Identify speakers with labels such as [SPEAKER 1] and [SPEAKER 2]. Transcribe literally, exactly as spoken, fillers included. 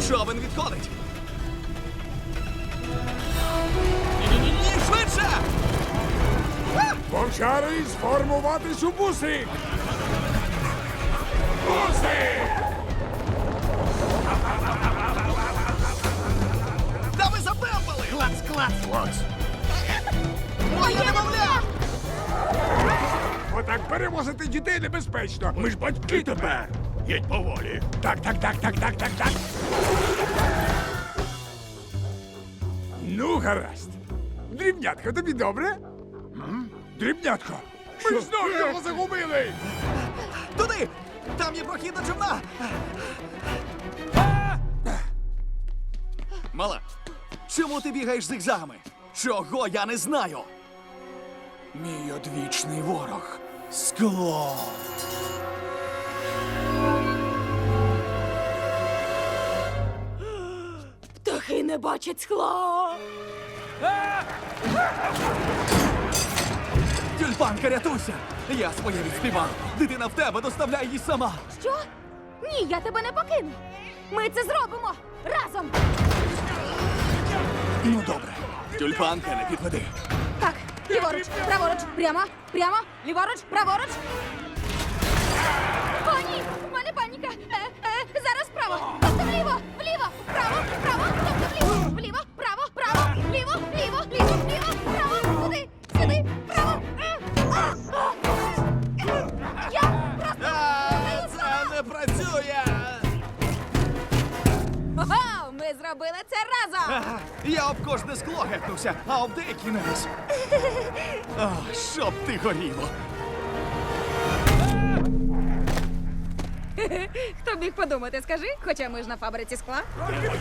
[SPEAKER 1] Човен відходить. Ні-ні-ні, швидше!
[SPEAKER 2] Вовчари, сформуватись у буси! Буси!
[SPEAKER 1] Та ви затемпали!
[SPEAKER 3] Клац, клац!
[SPEAKER 2] Клас!
[SPEAKER 1] Моє немовля!
[SPEAKER 2] Отак перевозити дітей небезпечно. Ми ж батьки тепер.
[SPEAKER 3] Їдь поволі.
[SPEAKER 2] Так, так, так, так, так, так, так. Ну, гаразд. Дрібнятко, тобі добре? Дрібнятко! Ми ж знову його загубили!
[SPEAKER 1] Туди! Там є прохід до човна! Мала, чому ти бігаєш зигзагами? Чого я не знаю? Мій одвічний ворог. Скло.
[SPEAKER 4] Птахи не бачать скла.
[SPEAKER 1] Тюльпанка, рятуйся! Я своє відспівав. Дитина в тебе, доставляй її сама.
[SPEAKER 4] Що? Ні, я тебе не покину. Ми це зробимо разом.
[SPEAKER 1] Ну, добре. Тюльпанка, не підведи.
[SPEAKER 4] Так, ліворуч, праворуч, прямо, прямо, ліворуч, праворуч. О, ні, в мене паніка. Е, е, зараз право, тобто вліво, вліво, вправо, вправо, тобто вліво, вліво, право, право, вліво, вліво, вліво, вліво, право, туди, сюди, право. Е, а, а. Я просто...
[SPEAKER 1] А, це не працює!
[SPEAKER 4] Ого, ми зробили це разом.
[SPEAKER 1] А, я об кожне скло гепнувся, а об деякі не раз. А, щоб ти горіло.
[SPEAKER 4] Хто б міг подумати, скажи, хоча ми ж на фабриці скла.